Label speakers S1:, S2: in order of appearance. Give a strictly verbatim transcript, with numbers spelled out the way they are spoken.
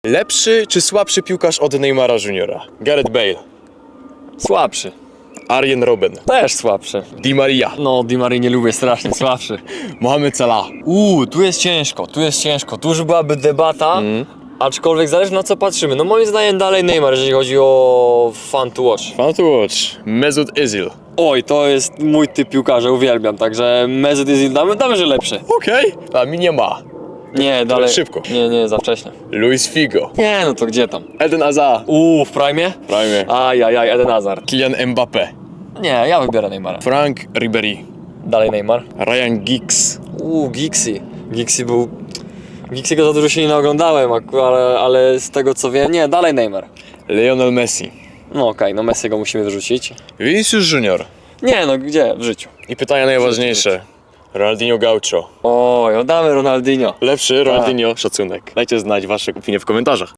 S1: Lepszy czy słabszy piłkarz od Neymara Juniora? Gareth Bale,
S2: Słabszy.
S1: Arjen Robben,
S2: Też słabszy.
S1: Di Maria,
S2: No, Di Marii nie lubię strasznie, słabszy.
S1: Mohamed Salah.
S2: Uuu, tu jest ciężko, tu jest ciężko. Tu już byłaby debata,
S1: Mm.
S2: aczkolwiek zależy na co patrzymy. No moim zdaniem dalej Neymar, jeżeli chodzi o fun to watch.
S1: Fan to watch. Mesut Özil.
S2: Oj, to jest mój typ piłkarza, uwielbiam, także Mesut Özil damy, damy, że lepszy.
S1: Okej. A mi nie ma.
S2: Nie, dalej.
S1: szybko.
S2: Nie, nie, za wcześnie.
S1: Luis Figo.
S2: Nie, no to gdzie tam?
S1: Eden Hazard.
S2: Uuu, w prime?
S1: Prime.
S2: Ajajaj, Eden Hazard.
S1: Kylian Mbappé.
S2: Nie, ja wybiorę Neymara.
S1: Frank Ribery.
S2: Dalej Neymar.
S1: Ryan Giggs.
S2: Uuu, Gixi. Gixi był... Gixiego za dużo się nie naoglądałem, ak- ale, ale z tego co wiem, nie, dalej Neymar.
S1: Lionel Messi.
S2: No okej, no Messiego musimy wyrzucić.
S1: Vinicius Junior.
S2: Nie, no gdzie? W życiu.
S1: I pytania najważniejsze. Ronaldinho Gaucho.
S2: Oj, oddamy Ronaldinho.
S1: Lepszy Ronaldinho, szacunek. Dajcie znać wasze opinie w komentarzach.